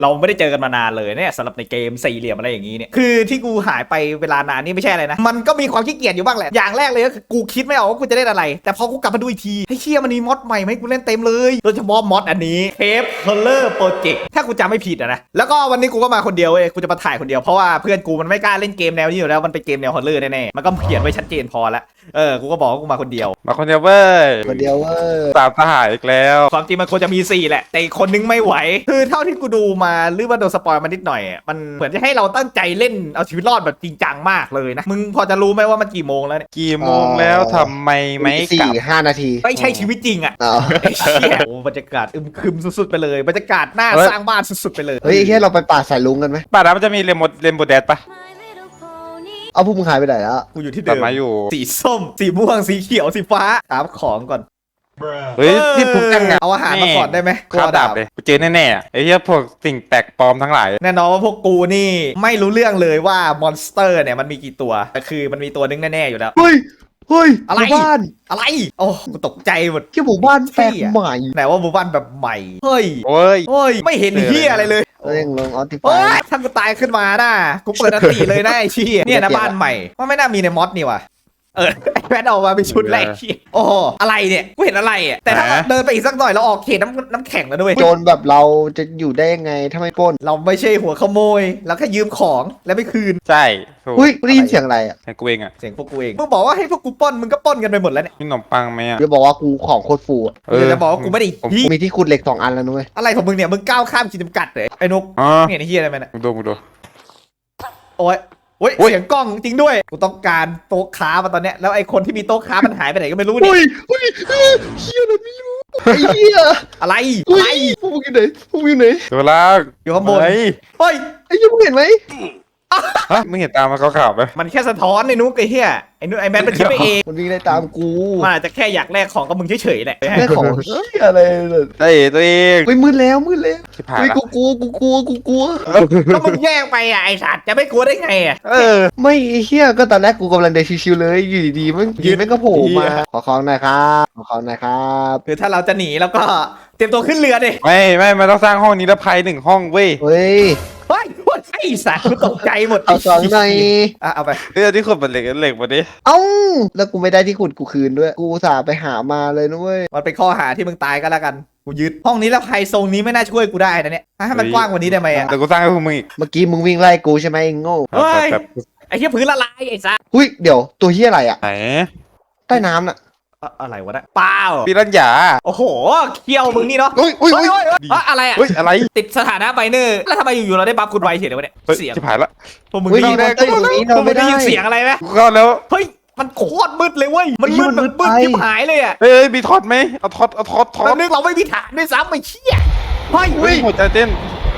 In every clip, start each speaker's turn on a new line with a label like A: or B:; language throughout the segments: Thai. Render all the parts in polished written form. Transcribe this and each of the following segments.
A: เราไม่ได้เจอกันมานานเลยเนี่ยสำหรับในเกมสี่เหลี่ยมอะไรอย่างนี้เนี่ยคือที่กูหายไปเวลานานนี่ไม่ใช่อะไรนะมันก็มีความขี้เกียจอยู่บ้างแหละอย่างแรกเลยก็คือกูคิดไม่ออกว่ากูจะเล่นอะไรแต่พอกูกลับมาดูอีกทีให้เชี่ยมันมีมอดใหม่ไหมกูเล่นเต็มเลยโดยเฉพาะมอดอันนี้เทปคอลเลอร์โปรเจกต์ถ้ากูจำไม่ผิดนะแล้วก็วันนี้กูก็มาคนเดียวเว้ยกูจะมาถ่ายคนเดียวเพราะว่าเพื่อนกูมันไม่กล้าเล่นเกมแนวนี้อยู่แล้วมันเป็นเกมแนวฮอลเลอร์แน่ๆมันก็เขียนไว้ชัดเจนพอแล้วกูก็บอกว่ากูมาคนเดียว
B: มาคนเดียวเว้ย
C: คนเดียวเว้ย
B: ตามทหารอีกแล้ว
A: ความจริงมันควรจะมี4แหละแต่อีกคนนึงไม่ไหวคือเท่าที่กูดูมาหรือว่าโดนสปอยมานิดหน่อยมันเหมือนจะให้เราตั้งใจเล่นเอาชีวิตรอดแบบจริงจังมากเลยนะมึงพอจะรู้ไหมว่ามันกี่โมงแล้วเนี่ย
B: กี่โมงแล้วทำไมไม่กลับ
C: 4-5 นาที
A: ไม่ใช่ชีวิตจริงอ่ะ
C: เอา
A: ไอ้เชี่ยโอ้บรรยากาศอึมครึมสุดๆไปเลยบรรยากาศหน้าสร้างบ้านสุดๆไปเลย
C: เฮ้ยแค่เราไปป่าสายลุงกันไหม
B: ป่าน้ำมันจะมีเรนโบว์แดดปะ
C: เอาพวกมึงหายไปไหนแล้ว
A: กูอยู่ที่
B: ตั
A: เดิ
B: ด
A: ม
B: มาอยู่
A: สีส้มสีม่วงสีเขียวสีฟ้าถามของก่อน
B: เฮ้ยที่ทุกจังอะ
A: เอาอาหารมาก่อนได้ไหม
B: ข้าวดาบเลยกูเจอแน่ๆอะไอ้เหี้ยพวกสิ่งแปลกปลอมทั้งหลาย
A: แน่นอนว่าพวกกูนี่ไม่รู้เรื่องเลยว่ามอนสเตอร์เนี่ยมันมีกี่ตัวแต่คือมันมีตัวนึงแน่ๆอยู่แล้ว
C: เฮ้ยเฮ้ย
A: อะไร
C: หมู่บ้าน
A: อะไรโอ้กูตกใจหมด
C: แค่หมู่บ้านแปลกใหม่
A: ไหนว่าหมู่บ้านแบบใหม่เฮ้ย
B: โอ้ย
A: เฮ้ยไม่เห็นเฮียอะไรเลย
C: เร่งลงออติฟา
A: เฮ้
C: ย
A: ยถ้ากูตายขึ้นมาน่ะกูเปิดอันตีเลยนะไอ้เชี่ยเนี่ยนะบ้านใหม่ว่าไม่น่ามีในมอสนี่ว่ะไอ้แพทออกมาเป็นชุดแรกเชี่ยโอ้โหอะไรเนี่ยกูเห็นอะไรอ่ะแต่ถ้าเราเดินไปอีกสักหน่อยเราออกเขตน้ำแข็งแล้วด้วย
C: โจรแบบเราจะอยู่ได้ยังไงถ้าไม่ปล้น
A: เราไม่ใช่หัวขโมยเราแค่ยืมของแล้วไม่คืน
B: ใช่ถูก
C: อุ้ยได้ยินเสียงอะไรอ่ะ
B: ให้กูเองอะ
A: เสียงพวกกูเองมึงบอกว่าให้พวกกูปล้นมึงก็ปล้นกันไปหมดแล้วเนี่ย
B: มีขนมปังไหมอะ
C: เดี๋ยวบอกว่ากูของโคตรฟูอะ
A: เดี๋ยวจะบอกว่ากูไม่ได้
B: ผม
A: พี่
C: มีที่ขุดเหล็ก2 อันแล้วนุ้ย
A: อะไรของมึงเนี่ยมึงก้าวข้ามขีดจำกัดเลยไอ้นก
B: อ๋อ
A: เนี่ยไอ้เฮียอะไรมันอะ
B: มึงดู
A: โอ้ยโอ้ย
B: โอ้ย
A: เสียงกล้องจริงด้วย กูต้องการโต๊ะค้ามาตอนเนี้ย แล้วไอ้คนที่มีโต๊ะค้ามันหายไปไหนก็ไม่รู้เนี่ย
C: เฮ้ยเฮ้ยเฮียอะไรไม่รู้ไอ้เฮีย
A: อะไร
C: เฮ้
A: อะไร
C: ยพวกมึงอยู่ไหนพวกมึงอยู่ไหน
B: ตัวล่าง
A: อยู่ข้างบน
B: เฮ้ย
A: เฮ้ย
C: ไอ้เฮียมึงเห็นไหม
B: ฮะมึงเห็นตามมาขาวๆไหม
A: มันแค่สะท้อนไอ้นุ๊กไอ้เหี้ยไอ้นุ๊กไอ้แมนมันคิดไปเอง
C: มันวิ่งได้ตามกู
A: มันอาจจะแค่อยากแลกของกับมึงเฉยๆแหละ
C: แค่ของเฮียอะไรเนี่ย
B: ได้ตัวเอง
C: เฮ้ยมืดแล้วมืดแล้ว
B: ชิบหาย
C: เฮ้ย
B: ละ
C: กูกลัว
A: แล้วมึงแยกไปอ่ะไอ้สัตว์จะไม่กลัวได้ไงอ่ะ
C: ไม่ไอ้เฮียก็ตอนแรกกูกำลังเดินชิวๆเลยอยู่ดีๆมันยืนแม่งก็โผล่มาขอของหน่อยครับขอของหน่อยครับ
A: คือถ้าเราจะหนีแล้วก็เตรียมตัวขึ้นเรือดิ
B: ไม่มันต้องสร้างห้องนิรภัย1 ห้องเว้ย
C: เฮ้ย
A: เฮ้ยไอ้สัตว์กูตกใจหมด
C: เอาสองหน่อย
A: อ่ะเอาไป
B: เฮ้ยที่ขุดเป็นเหล็กมาดิ
C: เอ้าแล้วกูไม่ได้ที่ขุดกูคืนด้วย กูอุตสาห์ไปหามาเลยนุ้ย
A: มันเป็นข้อหาที่มึงตายก็แล้วกันกูยึดห้องนี้แล้วใครทรงนี้ไม่น่าช่วยกูได้นะเนี่ยให้มันกว้างกว่านี้ได้ไหมอ่ะ
B: แต่กูสร้างให้พวกมึงอีก
C: เมื่อกี้มึงวิ่งไล่กูใช่ไหมไอ้โง่
A: เฮ้ย
B: แบบ
A: ไอ้เหี้ยพื้นละลายไอ้สัส
C: หุ้ยเดี๋ยวตัวเฮียอะไรอ่ะ
B: ไหน
C: ใต้น้ำน่ะ
A: อะไรวะเนี่ยเปล่า
B: ปีรัญญา
A: โอ้โหเคี้ยวมึงนี่เนาะ
C: อุ้ยอุ้ย
A: เฮ้
C: อุ้
A: ย
C: ย
A: เฮ้ยเฮ้ยอะไรอ่ะ
B: เฮ้ยอะไร
A: ติดสถานะไบเนอร์แล้วทำไมอยู่ๆเราได้บัฟคุณไวเฉยเลยวะเนี่ย
B: เฮ้ย
A: เสียง
B: ชิบหายละ
A: พวกมึง
C: เฮ้ย
A: ได้ยิน
C: เราได้อยู่ตรงนี้
A: พว
C: เรา
A: กมึ
C: ไม่
A: งได้
C: ได้
A: ยินเสียงอะไรไหม
B: กูเข้าแล้ว
A: เฮ้ยมันโคตรมืดเลยเว้ยมัน
C: ไอ้เหี้
A: มื
C: ย
A: ด
C: มันมื
A: แบบ
C: ด
A: มืด
C: ไป
A: ยิบหายเลยอ่ะ
B: เฮ้ยมีทอดไหมเอาทอด
A: แล้วนึกเราไม่มีฐานด้วยซ้ำไอ้เชี่ยเฮ้ย
B: เฮ้ยหัวใจเต้น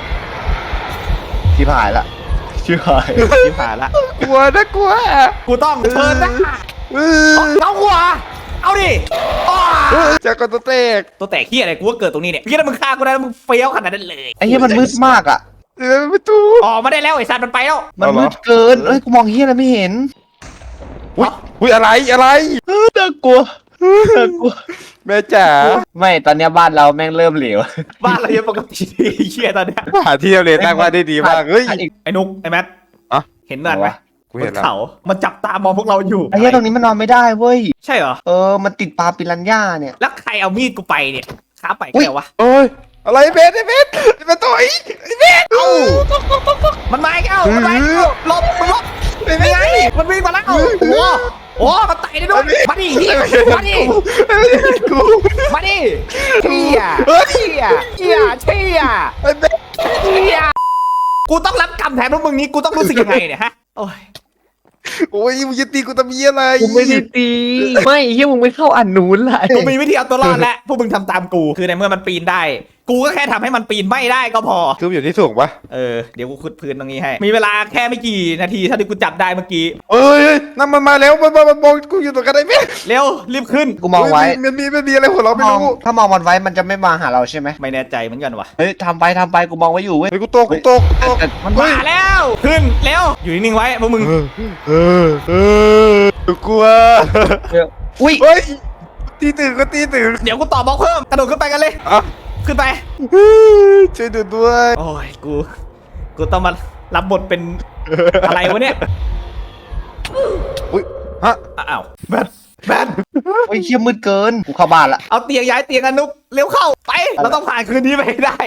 C: ชิบหายละชิบหาย
A: ยิบหายละ
B: กลัวนะกลัว
A: กูต้องเชิญนะ
B: เออ
A: เอาหัวเอาดิอ้า
B: จากกตัวเตก
A: ตัวแตกเฮียอะไรกูก็เกิดตรงนี้เนี่ยพี่ถ้ามึงฆ่ากูได้แล้วมึงเฟี้ยวขนาดนั้นเลย
C: ไอ้เฮียมันมืดมากอ่ะ
B: เดินไปตู้
A: ออกมาได้แล้วไอ้สัตว์มันไปแล้ว
C: มันมืดเกินเอ้ยกูมองเฮียอะไรไม่เห็น
B: อุ้ยอะไร
C: น่ากลัวน่ากลัว
B: แม่จ๋า
C: ไม่ตอนเนี้ยบ้านเราแม่งเริ่มเหลว
A: บ้านเรายังปกติดีเฮียตอนเนี้ย
B: หาที่เราเรียนตั้งว่าได้ดีมากเฮ้ย
A: ไอ้นุ๊กไอ้แมท
B: อะ
A: เห็นนั่นไหม
B: กู
A: บ
B: เห็น
A: น
B: แล้ว
A: เขามันจับตามองพวกเราอยู่
C: ไอ้เฮียตรงนี้มันนอนไม่ได้เว้ย
A: ใช่เหรอ
C: มันติดปลาปิรันย่าเนี่ย
A: แล้วใครเอามีดกูไปเนี่ยค้าไป
C: อุ๊ย
A: แค่วะ
B: โอ้ยอะไรเบสเป็นตัวอีเบส
A: เอ้ามันมาอีกเอ้ามันมาอีกเอ้าหลบมึงหลบเป็นไงมันวิ่งมาแล้วโอ้โหโอ้มันไต่ได้ด้วยมาดิเฮียมาดิ
B: กู
A: มาดิเชี่ยเชี่ยเชี่ยเชี่ย
B: ไอ้เบส
A: เชี่ยกูต้องรับกรรมแทนพวกมึงนี้กูต้องรู้สึกยังไงเนี่ยฮะโอ้ย
B: โอ้ยมึงจะตีกูทำเหี้ยอะไร
C: กูไม่ได้ตีไม่เฮียมึงไม่เข้าอันนู้นเลย
A: กูมีวิธีเอาตัวรอดแล้วพวกมึงทำตามกูคือในเมื่อมันปีนได้ กูก็แค่ทำให้มันปีนไม่ได้ก็พอ
B: คืออยู่ที่สูงปะ
A: เดี๋ยวกูขุดพื้นตรงนี้ให้มีเวลาแค่ไม่กี่นาทีเท่าที่กูจับได้เมื่อกี้
B: เอ้ยนั่นมันมาแล้วมันมองกูอยู่ตรงกันได้ไหม
A: เร็วรีบขึ้น
C: กูมองไว้
B: มันมีอะไรหัวเราะไม่รู้
C: ถ้ามองมันไว้มันจะไม่มาหาเราใช่ไหม
A: ไม่แน่ใจเหมือนกันว่ะ
C: เฮ้ยทำไปกูมองไว้อยู่เว้ย
B: เฮ้ยกูตก
C: แต่
A: มันมาแล้วขึ้นเร็วอยู่นิ่งๆไว้พวกมึง
B: กลัว
C: อุ้ย
B: เฮ้ยตีตื่นก็ตีตื่น
A: เดี๋ยวกูต่อบล็อกเพิ่มกระโดดขึ้นไปกันเลย
B: อ่ะ
A: ขึ้นไป
B: ช่วยดูด้วย
A: โอ้ยกูต้องมารับบทเป็นอะไรวะเนี่ย
B: อุ้ยฮะ
A: อ้าวแบท
C: โอ้ยเชี่ยมืดเกินกูเข้าบ้านละ
A: เอาเตียงย้ายเตียงอนุกเร็วเข้าไปเราต้องผ่านคืนนี้ไปให้ได้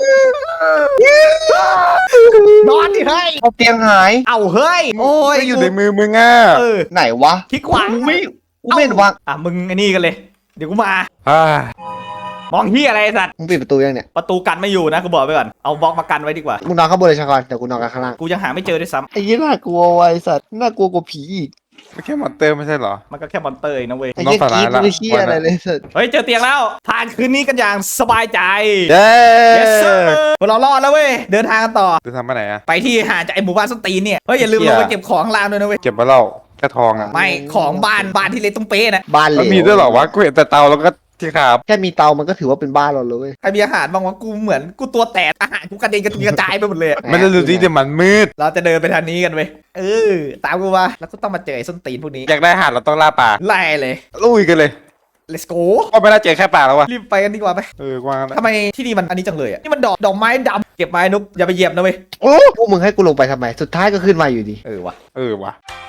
A: นอนดิเฮ้ย
C: เอาเตียงหาย
A: เอาเฮ้ยโอ้ย
B: ไม่อยู่ในมือมึงอ่ะ
A: เออ
C: ไหนวะ
A: คลิกขวา
C: กูไม่เห็นวาง
A: อ่ะมึงไอ้นี่กันเลย เดี๋ยวกูมา
B: อ่าม
A: องเฮียอะไรไอ้สัตว์
C: มึงปิดประตูยังเนี่ย
A: ประตูกันไม่อยู่นะกูบอกไปก่อนเอาบล็อกมากันไว้ดีกว่า
C: มึงนอนข้างบนเลยชากรแต่กูนอนกันข้างล่าง
A: กูยังหาไม่เจอด้วยซ้
C: ไอ้ยี่น่ากลัวไว้สัตว์น่ากลัวกว่าผีอีก
B: ไม่แค่มอนเตอร์ไม่ใช่เหรอ
A: ำมันก็แค่มอนเตอร์เองนะเว้ย
C: ไอ้ยี่กรีดไม่เชี่ยอะไรเลยสัตว์
A: เฮ้ยเจอเตียงแล้วผ่านคืนนี้กันอย่างสบายใจ
B: เย้
A: yes sir พวกเรารอดแล้วเว้ยเดินทางกันต่อ
B: จะทำไปไหนอ่ะ
A: ไปที่ห่างจากไอ้หมู่บ้านส้นตีนเนี่ยเฮ้ยอย่าลืม
B: เหี้
A: ล
B: ย
A: งไปเก็บของข้างล่างด้วยนะเว้ย
B: เก็บมาเล่าแค่ทองอ่ะ
A: ไม่ของบ้านที่เล็กต้องเป๊ะนะ
C: บ้านเหล
B: มัน
C: ว
B: มีด้วยเหรอวะกูเห็นแต่เตาแล้วก็ที่ขาบ
C: แค่มีเตามันก็ถือว่าเป็นบ้านเราเลยเว้ย
A: ใครมีอาหารบ้างวะกูเหมือนกูตัวแตกอาหารกูกระเด็นกระจายไปหมดเลยอะ
B: ไม่ได้ดูดิเดี๋ยวมันมืด
A: เราจะเดินไปทางนี้กันเว้ยตามกูมาแล้วก็ต้องมาเจอไอ้ส้นตีนพวกนี้
B: อยากได้อาหารเราต้องล่าป่า
A: ไล่เลย
B: ลุยกันเลย
A: let's go
B: ก็ไม่น่าเจอแค่ป่าแล้ววะ
A: รีบไปกันดีกว่าไป
B: กว้างแล้ว
A: ทำไมที่นี่มันอันนี้จังเลยอ่ะนี่มันดอกไม้ดำเก็บไม้นุกอย่าไปเหยียบนะเว้ย
C: โอ้พวกมึงให้กูลงไปทำไมสุดท้ายก็ขึ้นมาอยู่ดี
A: ว่ะ
B: วะ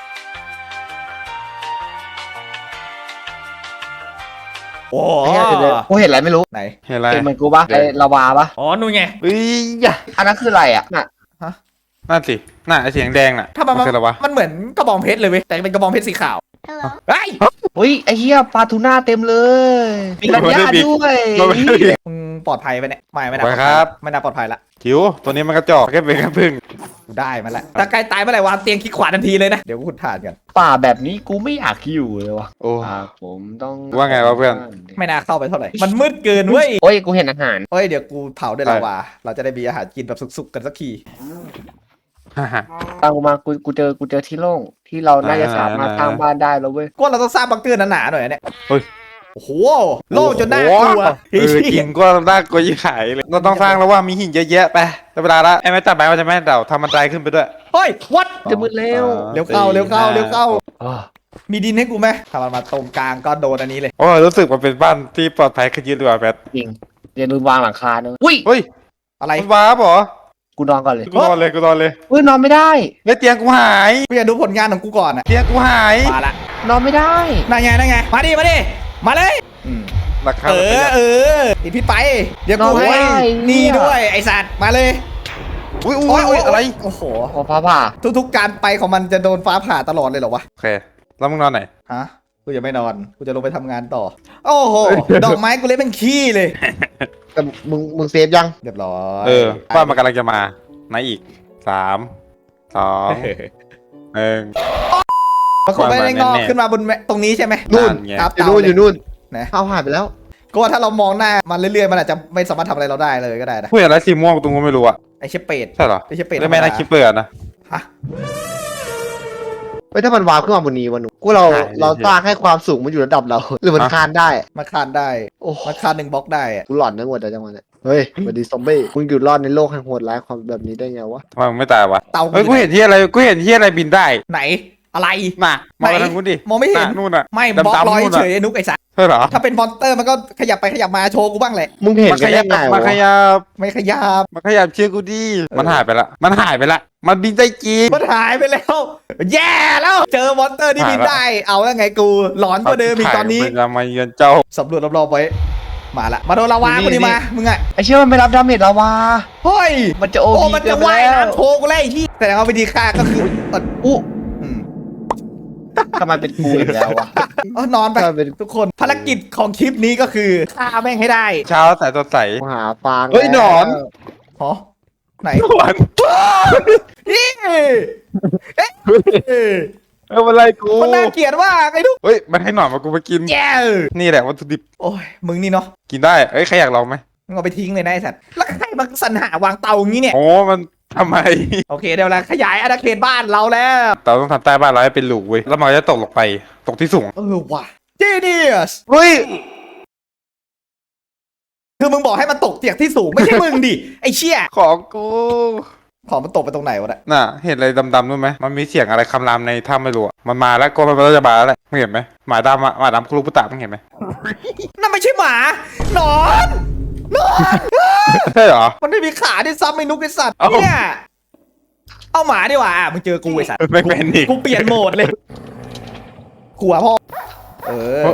A: โอ้
C: ไอ้เหี้ยเดี๋ยวกูเห็นอะไรไม่รู้
A: ไหน
B: เห็นอะไร
C: เห็นเหมือนกูปะไอ้ลาวาปะ
A: อ๋อนู่นไง
B: เฮ้ยยะ
C: อันนั้นคืออะไรอ่ะน่ะ
B: นั่นสิน่าไอเสียงแดงน่ะ
A: ถ้ามัน
B: คืออะไรวะ
A: มันเหมือนกระบองเพชรเลยเว้ยแต่เป็นกระบองเพชรสีขาวเฮ้ย
C: เฮ้ยไอ้เหี้ยปลาทูน่าเต็มเลยมีรัญญาด้วย
B: มันไม่ได้บิน
A: มึงปลอดภัยไปเนี่ยไม่น่า
B: ไปครับ
A: ไม่น่าปลอดภัยละ
B: จิ๋วตัวนี้มันกระจอกแค่เป็นแค่พึ่ง
A: กูได้มาแล้วถ้าใกล้ตายเมื่อไหร่วางเตียงคลิกขวาทันทีเลยนะเดี๋ยวกูขุดถ่านกัน
C: ป่าแบบนี้กูไม่อยากอยู่เลยวะ
B: โอ้
C: ผมต้อง
B: ว่าไงวะเพื่อน
A: ไม่น่าเข้าไปเท่าไหร่มันมืดเกินเว้ย
C: โอ้ยกูเห็นอาหาร
A: เฮ้ยเดี๋ยวกูเผาด้วยลาวาเราจะได้มีอาหารกินแบบสุกๆกันสักที
B: ฮ่าฮ่า
C: ตามกูมากูเจอที่โล่งที่เราน่าจะสามารถสร้างบ้านได้แล้วเว้ย
A: ก็เราต้องสร้างบังเกอร์หนาๆหน่อยนะเนี่ย
B: เฮ้ย
A: โอ้โหโล่งจนน่ากลัว
B: จริงก็น่ากลัวยิ่งขายเลยเราต้องสร้างแล้วว่ามีหินเยอะแยะไปแต่เวลาละไอ้แม่ตัดไม้ว่าจะแม่เดาทำมันไดขึ้นไปด้วย
A: เฮ้ยวัด
C: จะมืดเร็ว
A: เร็วเข้า
C: อ๋อ
A: มีดินให้กูไหมถ้ามันมาตรงกลางก็โดนอันนี้เลย
B: โอ้รู้สึกมันเป็นบ้านที่ปลอดภัยขึ้นเยอะเลยว่ะแพท
C: จริงอย่าลืมวางหลังคาด้วยอุ้ย
B: เฮ้ย
A: อะไร
B: มันว้าบเหรอ
C: กูนอนก่อนเลย
B: กูนอนเลย
C: เฮ้ยนอนไม่ได้
B: แล้วเตียงกูหาย
A: กูอยากดูผลงานของกูก่อนอะ
B: เตียงกูหาย
A: มาละ
C: นอนไม่ได้
A: นั่นไงมาดิมาเลย
B: ราคา
A: ติดพิษไปเดี๋ยวกูให้นี่ด้วยไอสัตว์มาเลย
B: อุ้ยอะไร
A: โอ้โห
C: พอผ่า
A: ทุกๆการไปของมันจะโดนฟ้าผ่าตลอดเลยเหรอวะ
B: โอเคแล้วมึงนอนไหน
A: ฮะกูจะไม่นอนกูจะลงไปทำงานต่อ โอ้โหดอกไม้กูเล็กเป็นขี้เลย
C: แต่มึงเซฟยัง
A: เรียบร้อย
B: บ้านมันกำลังจะมาไหนอีก3 2 1
A: มันคงไม่ได้งอกขึ้นมาบนตรงนี้ใช่ไหม
C: นู่น
B: ไง
A: ครับ
C: อยู่นู่นอยู่นู่น
A: นะ
C: เอาหายไปแล้ว
A: ก็ว่าถ้าเรามองหน้ามันเรื่อยๆมันอาจจะไม่สามารถทำอะไรเราได้เลยก็ได้นะ
B: ผู้ใหญ่ไรสีม่วงตรงกูไม่รู้อะ
A: ไอเชฟเป็ด
B: ใช่เหรอ
A: ไอเชฟเป็ด
B: ไม่น่าคิดเปิดนะ
A: ฮะ
C: เฮ้ยถ้ามันวาร์ปขึ้นมาบนนี้วันหนูกูเรา
B: ใช่
C: เราสร้างให้ความสูงมันอยู่ระดับเรา หรือมันคานได้
A: มาคานได้
C: โอ้
A: มาคาน1 บล็อกได้อะ
C: กูหลอนทั้งหมดแต่จังหวะเนี้ยเฮ้ยสวัสดีซอมบี้มึงอยู่รอดในโลกแห่งโหดร้ายความแบบนี้ได้ไงวะ
B: ทำไมมึงไม่ตายวะ
A: เตา
B: เฮ้ยกูเห็นที่อะไรบินได้
A: ไหนอะไร
B: น่ะมาทางนู้นดิ
A: มองไม่เห็น
B: นู่นน่ะ
A: ไม่บล็อก
B: ดำๆ
A: ลอย
B: นู่น
A: เฉ
B: น่ะ
A: ยไอ้นุกไอ้สัส
B: ใช่เหรอ
A: ถ้าเป็นมอนสเตอร์มันก็ขยับไปขยับมาโชว์กูบ้างแหละ
C: มึงเห็น
B: มา
C: กัน
B: ขยั
C: ได้
B: บ
C: ไง
B: มาข
C: วะ
B: ยับ
A: ไม่ขยับ
B: มาขยับเชื่อกูดิมันหายไปละมันบินได้จริง
A: มันหายไปแล้ว แย่แล้วเจอมอนสเตอร์ที่บินได้เอาแล้วไงกูหลอนกว่าเดิมอีกตอนนี้
B: มันจะมาเยือนเจ้า
A: สำรวจรอบๆไว้มาละมาโดนลาวากูดิมามึงอะ
C: ไอเชื่อมันไม่รับดาเมจลาวา
A: เฮ้ย
C: มันจะโอ
A: โอ้
C: พี
A: มันจะว่ายน้ำโชว์กูแล้วไอ้ที่แต่ว่าวิธีฆ่าก็คืออู้อืม
C: ทำไมเป็นกูอีกแล้ววะ
A: นอนไป
C: ถ้าเป็น
A: ทุกคนภารกิจของคลิปนี้ก็คือฆ่าแม่งให้ได้
B: เช้าสายสดใส
C: กูหาฟาง
B: เฮ้ยหนอน
A: หรอไหน
B: หวาน
A: นี่เอ๊ะ
B: อะไรกู
A: มันน่าเกลียดมากไอ้ทุก
B: เฮ้ยมันให้หนอนมากูมากิน
A: แย่
B: นี่แหละวัตถุดิบ
A: โอ้ยมึงนี่เนาะ
B: กินได้เอ้ยใครอยากลองไหม
A: มึงเอาไปทิ้งเลยนะไอ้สัตว์แล้วใครมาสรรหาวางเตาอย่างนี้เนี่ย
B: โอ้มันทำไม
A: โอเคเดี๋ยวเราขยายอาณาเขตบ้านเราแล้ว
B: เราต้องทำใต้บ้านเราให้เป็นหลูเว้ยแล้วมันก็จะตกลงไปตกที่สูง
A: ว่ะ Genius
B: เฮ้ย
A: คือมึงบอกให้มันตกเตียกที่สูงไม่ใช่มึงดิไอ้เชี่ย
B: ของกู
A: ของมันตกไปตรงไหนวะเนี่ย
B: น่ะเห็นอะไรดำๆด้วยไหมมันมีเสียงอะไรคำรามในถ้ำไม่รู้อะมันมาแล้วก็มันจะมาแล้วแหละมึงเห็นไหมหมาดำอะหมาดำคุรุปุตะมึงเห็นไหม
A: นั่นไม่ใช่หมาหนอน
B: ใช่เหรอ
A: มันไม่มีขาด้วยซ้ำไอ้นุกไอ้สัตว์
B: เอ้า
A: เนี่ยเอาหมาดีกว่ามึงเจอกูไอ้สัตว์
B: ไม่เป็นอีก
A: กูเปลี่ยนโหมดเลยขัวพ่อเออ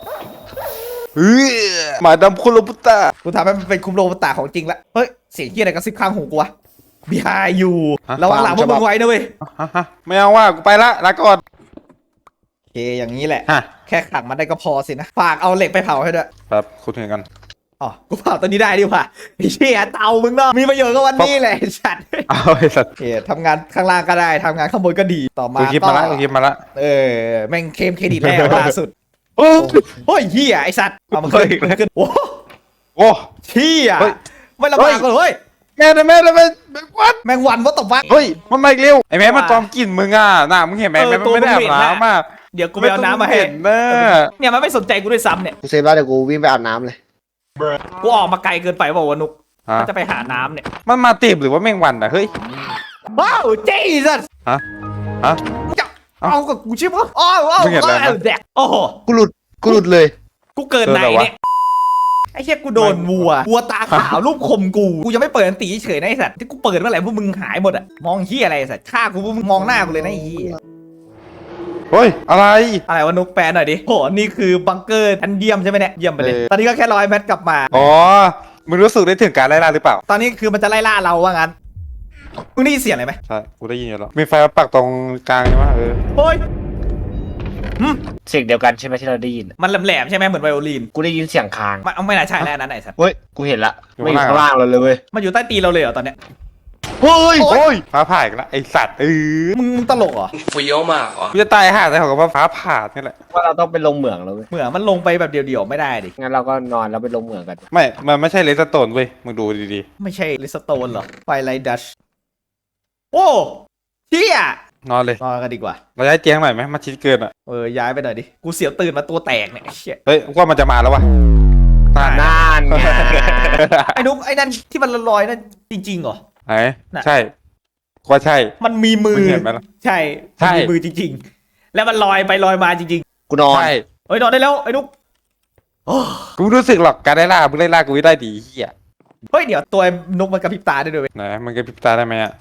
B: หมาดำคุโรบุตะ
A: กูทำให้มันเป็นคุมโรบตาของจริงละเฮ้ยเสียงเกียอะไรกระซิบข้างหูกูวะ behind you ระวังหลังพวกมึงไว้นะเว้ย
B: ไม่เอาว่ากูไปละลาก่อน
A: โอเคอย่างนี้แหละ
B: ฮะ
A: แค่ขังมันได้ก็พอสินะฝากเอาเหล็กไปเผาให้ด้วย
B: ครับคุณถึงกัน
A: อ๋อกูเผาตัวนี้ได้ดีกว่าไอ้เชี่ยเตามึงเนาะมีประโยชน์ก็วันนี้แหละไอ้สัตว์
B: เอาไอ้สัตว์
A: โอเคทำงานข้างล่างก็ได้ทำงานข้างบนก็ดีต่อมา
B: กูคิดมาละกูคิดมาละ
A: แม่งเคลมเครดิตแรกล่าสุด
B: โอ้
A: โอ้ยเฮียไอสัตว์เอามาขึ้น
B: เฮ้ย
A: มันขึ้นโอ้
B: โอ้
A: เฮีย
B: เฮ้ย
A: ไม่ระบากเลยเฮ้ย
B: แม่วัด
A: แมงวันว่าตบวัก
B: เฮ้ยมันมาอีกเร็วไอ้แม่มันตอมกลิ่นมึงอ่ะน่ะมึงเห็นไหม
A: เออ
B: แม่มันไม่ได้อาบน้ำอ่ะ
A: เดี๋ยวกูไปเอาน้ำมาให้
B: เห็นนะ
A: เนี่ยมันไม่สนใจกูด้วยซ้ำเนี่ย
C: กูเซฟแล้วเดี๋ยวกูวิ่งไปอาบน้ำเลย
A: กูออกมาไกลเกินไปบอกว่าวะนุก
B: ฮะ
A: มันจะไปหาน้ำเนี่ย
B: มันมาตีบหรือว่าแมงวันอ่ะเฮ้ย
A: ว้าวเจ๊สัส
B: ฮะฮะ
A: มึงจะเอากับกูใช่ปะอ้าวอ้าว
B: มึงเห็นอะไรนะ
A: อ้าวแดกโอ้โห
C: กูหลุดเลย
A: กูเกิดไหนเนี่ยไอ้เชี่ยกูโดนวัวตาขาวรูปคมกูยังไม่เปิดอันตีเฉยนะไอ้สัตว์ที่กูเปิดเมื่อไหร่พวกมึงหายหมดอะมองเฮียอะไรไอ้สัตว์ฆ่ากูพวกมึงมองหน้ากูเลยนะไอ้เฮีย
B: เฮ้ยอะไร
A: อะไรวะนุกแปลหน่อยดิโหนี่คือบังเกอร์อันเยี่ยมใช่ไหมเนี่ยเยี่ยมไปเลย
B: เออ
A: ตอนนี้ก็แค่100 เมตรกลับมา
B: อ๋อมึงรู้สึกได้ถึงการไล่ล่าหรือเปล่า
A: ตอนนี้คือมันจะไล่ล่าเราว่างั้นมึงได้ยินเสียงอะไรไหม
B: ใช่กูได้ยินอยู่แล้วมีไฟมาปักตรงกลางใช่ไหม
A: โอ้ย
D: เสียงเดียวกันใช่ไหมที่เราได้ยิน
A: มันแหลมๆใช่ไหมเหมือนไวโอลิน
D: กูได้ยินเสียงคาง
A: มันเอาไม่น่าใช่แล้วอันนั้นไอ้สัตว์
D: เฮ้ย กูเห็นละไม่อยู่ข้างล่างเราเลยเว้ย
A: มันอยู่ใต้ตีนเราเลยเหรอตอนเนี้ย
C: เฮ้ย
B: โอ้ยฟ้าผ่าอีกแล้วไอสัตว์
A: มึงตลกเหรอ
B: กูจะตายห่าแต่ของกับว่าฟ้าผ่านี่แหละ
D: ว่าเราต้องไปลงเหมืองแล้วเว้ย
A: เหมือนมันลงไปแบบเดี่ยวๆไม่ได้ดิ
D: งั้นเราก็นอนแล้วไปลงเหมืองกัน
B: ไม่มันไม่ใช่เลสโตนเว้ยมึงดูดี
A: ไม่ใช่ลิสโตนหรอไฟไลดัชโอ้เชี่ย
B: ๆนอนเลย
A: นอนกันดีกว่า
B: เราย้ายเตียงหน่อยไหมมันชิดเกินอ่ะ
A: ย้ายไปหน่อยดิกูเสียวตื่นมาตัวแตกเนี่ยไอ้เชี่ย
B: เฮ้ยว่ามันจะมาแล้ววะตาย
D: นั่นไง
A: ไอ้นุ๊กไอ้นั่นที่มันลอยๆนั่นจริงๆเหรอ
B: ไหน
A: น่ะ
B: ใช่ก็ใช่
A: มันมีมือ
B: มึงเห็นไหมล่ะ
A: ใช่
B: ใช่
A: มันมีมือจริงๆ แล้วมันลอยไปลอยมาจริง
D: กูนอน
B: ใช่
A: ๆเฮ้ยนอนได้แล้วไอ้นุ๊กโอ้
B: กูไม่รู้สึกหรอกการไล่ล่ามึงไล่ล่ากูไม่ได้ดีเฮีย
A: เฮ้ยเดี๋ยวตัวไอ้นุ๊กมันกระพริบตาได้ด้วยเว้ย
B: ไหนมึงกระพริบตาได้ไหมอ่ะ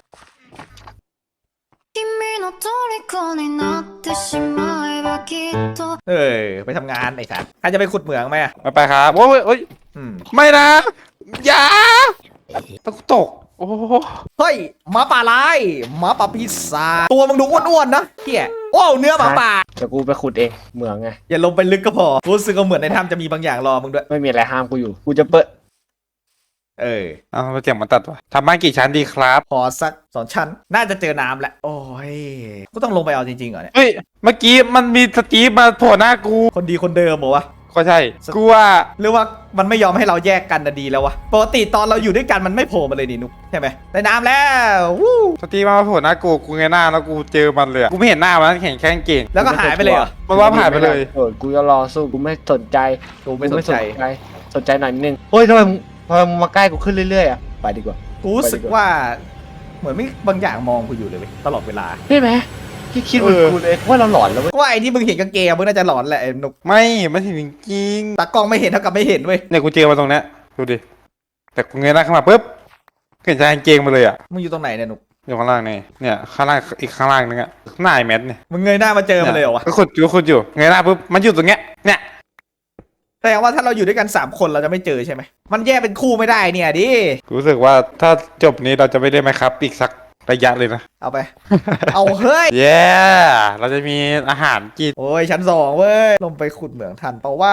E: 君の虜になってしまえばきっと
A: ไปทำงานไอ้สัสใครจะไปขุดเหมืองไหมอะ
B: ไปครับโอ้ยโอ้ย
A: อืม
B: ไม่นะอย่าตกโอ้โห
A: เฮ้ยหมาป่าลายหมาป่าปีศาจตัวมึงดูอ้วนๆนะเฮียโอ้เนื้อหมาป่า
D: เดี๋ยวกูไปขุดเองเหมืองไง
A: อย่าลงไปลึกก็พอรู้สึกว่าเหมือนในถ้ำจะมีบางอย่างรอมึงด้วย
D: ไม่มีอะไรห้ามกูอยู่ กูจะเปิด
B: เอาเสียงมันตัดวะทำบ้านกี่ชั้นดีครับ
A: พอสัก2 ชั้นน่าจะเจอน้ำแหละโอ้ยกูต้องลงไปเอาจริงๆเหรอเนี่ย
B: เฮ้ยเมื่อกี้มันมีสตีฟมาโผล่หน้ากู
A: คนดีคนเดิมเหรอวะ
B: ก็ใช่กูว่า
A: หรือว่ามันไม่ยอมให้เราแยกกันนะดีแล้ววะปกติตอนเราอยู่ด้วยกันมันไม่โผล่มาเลยนี่นุ๊กใช่ไหมได้น้ำแล้ววู้
B: สตีฟมาโผล่หน้ากูเงยหน้าแล้วกูเจอมันเลยอะกูไม่เห็นหน้ามันแข่งแค่กางเก่ง
A: แล้วก็หายไปเลยเหรอ
B: มันว่าผ่านไปเลย
D: โอ้ยกูจะรอสู้ กูไม่สนใจ
A: กูไม่สนใจ
D: สนใจหน่อยนึงเฮ้ยทำไมมึงมาใกล้กูขึ้นเรื่อยๆอ่ะ ไปดีกว่า
A: กูรู้สึกว่าเหมือนไม่บางอย่างมองกูอยู่เลยเว้ยตลอดเวลา
D: ใช่ไหมที่คิดเหมือนกูเลยว่าเราหลอนแล้วเว้ย
A: ว่าไอ้ที่มึงเห็นกางเกงมึงน่าจะหลอนแหละไอ้นุ๊ก
B: ไม่มันเห็นจริง
A: ตากล้องไม่เห็นเท่ากับไม่เห็นเว้ย
B: เนี่ยกูเจอมาตรงเนี้ยดูดิแต่กูเงยหน้าขึ้นมาปุ๊บเห็นชายกางเกงมาเลยอ่ะ
A: มึงอยู่ตรงไหนเนี่ยนุ๊ก
B: อยู่ข้างล่างนี่เนี่ยข้างล่างอีกข้างล่างนึงอ่ะหน้าไอ้แมทเนี่ย
A: มึงเงยหน้ามาเจอมันเลยเหรอวะ
B: ก็ขุดอยู่เงยหน้าปุ๊บมันอยู่ตรงเนี้ยเนี่ย
A: แสดงว่าถ้าเราอยู่ด้วยกัน3 คนเราจะไม่เจอใช่ไหมมันแยกเป็นคู่ไม่ได้เนี่ยดิ
B: กูรู้สึกว่าถ้าจบนี้เราจะไม่ได้ไหมครับอีกสักระยะเลยนะ
A: เอาไป เอาเฮ้ย
B: เย้เราจะมีอาหารกิน
A: โอ้ยชั้น2เว้ยลงไปขุดเหมืองทันเปล่าว่า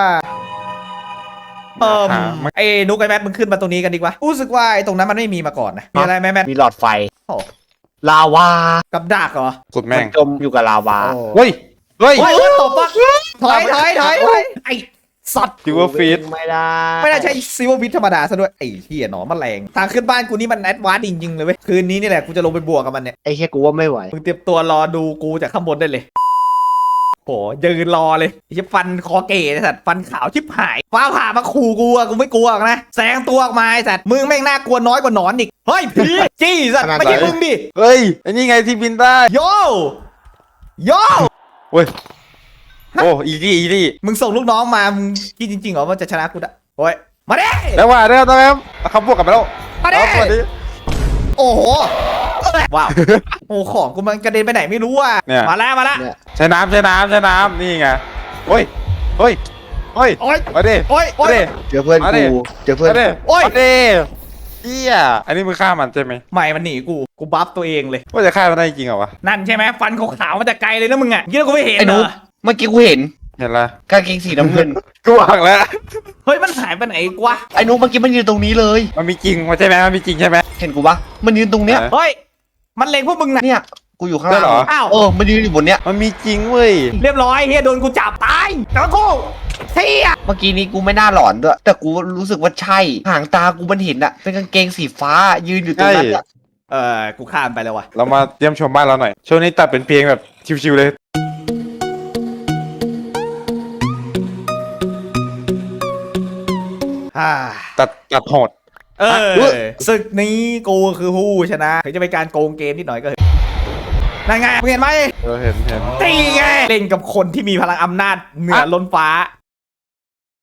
A: ไอ้นุ๊กไอ้แมทมึงขึ้นมาตรงนี้กันดีกว่ารู้สึกว่าไอ้ตรงนั้นมันไม่มีมาก่อนนะมีอะไรไหมแมท
D: มีหลอดไฟ
A: โอ้
D: ลาวา
A: กับดักเหรอ
B: ขุดแม่
D: มั
B: ง
D: นจมอยู่กับลาวา
A: โอ้
B: เฮ้ย
A: เฮ้ยตบปะถอยไอ้สัตว์
B: จิวฟีด
D: ไม่ได้
A: ไม่น่าใช่ซิลเวอร์วิทธรรมดาซะด้วยไอ้เหี้ยหนอนแมลงทางขึ้นบ้านกูนี่มันแอดวานซ์จริงๆเลยเว้ยคืนนี้นี่แหละกูจะลงไปบวกกับมันเนี่ย
D: ไอ้แค่กูว่าไม่ไหว
A: มึงเตรียมตัวรอดูกูจากข้างบนได้เลยโหยืนรอเลยไอ้เหี้ยฟันคอเก๋ไอ้สัตว์ฟันขาวชิบหายฟ้าผ่ามาขู่กูอะกูไม่กลัวหรอกนะแสงตัวออกมาไอ้สัตว์มึงแม่งน่ากลัวน้อยกว่าหนอนอีกเฮ้ยผีจี้สัตว์ไม่ใช่มึงดิ
B: เฮ้ยอันนี้ไงที่บินได้
A: โยโย
B: เว้ยโอ้อีลี่
A: มึงส่งลูกน้องมามึงคิดจริงๆเหรอว่าจะชนะกูได้โอ้ยมาดิ
B: แล้วว่าเนี่ยตอนนี้เขาบวกกันไปแล้ว
A: มาดิ
B: เอาสวัสดี
A: โอ้โหว้าวโอ้ของกูมันกระเด็นไปไหนไม่รู้อ่ะ
B: เนี่ย
A: มาแล้วมาแล้ว
C: เนี่ย
B: ใช้น้ำนี่ไงเฮ้ยเฮ้ย
A: โอ้ย
B: มาดิ
A: โอ้ยโอ้
B: มาย ดิ
C: เจอเพื่อน
B: มาดิ
C: กูเจอเพื่อน
B: มาดิ
A: โอ้ย
B: มาดิเฮียอันนี้มึงฆ่ามันใช่ไหม
A: ไม่มันหนีกูบัฟตัวเองเลย
B: ว่าจะฆ่ามันได้จริงเหรอวะ
A: นั่นใช่ไหมฟันขาวๆมาแต่ไกลเลยนะมึงอ่ะยี่แล้วกูไม่เห็น
D: ไอ้
A: เหร
D: นุ๊
A: อก
D: เมื่อกี้กูเห็น
B: เห็นละ
D: กางเกงสีน้ำเงิน
B: กูบอกแล้ว
A: เฮ้ยมันหายไปไหนวะ
D: ไอ้นุ๊กเมื่อกี้มันยืนตรงนี้เลย
B: มันมีจริงใช่ไหมมันมีจริงใช่ไหม
D: เห็นกูปะมันยืนตรงเนี้ย
A: เฮ้ยมันเล็งพวกมึงนะ
D: เนี่ยกูอยู่ข้าง
B: ได้
D: ล่าง
B: เหรอ
A: อ้าว
D: มันยืนอยู่บนเนี้ย
B: มันมีจริงเว้ย
A: เรียบร้อยเฮียโดนกูจับตายแล้วกูเฮีย
D: เมื่อกี้นี้กูไม่น่าหลอนด้วย แต่กูรู้สึกว่าใช่หางตากูมันเห็นอะเป็นกางเกงสีฟ้ายืนอยู่ตรงนั้นอะ
A: กูข้ามไปแล้ววะ
B: เรามาเยี่ยมชมบ้านเราหน่อยช่วงนี้ตัดเป็นเพลงแบบชิวๆเลย ตัดโหด
A: ศึกนี้กูคือผู้ชนะถึงจะเป็นการโกงเกมนิดหน่อยก็เถอะนั่นไงมึงเห็นไหม
B: เห็น
A: ตีไงเล่นกับคนที่มีพลังอำนาจเหนือล้นฟ้า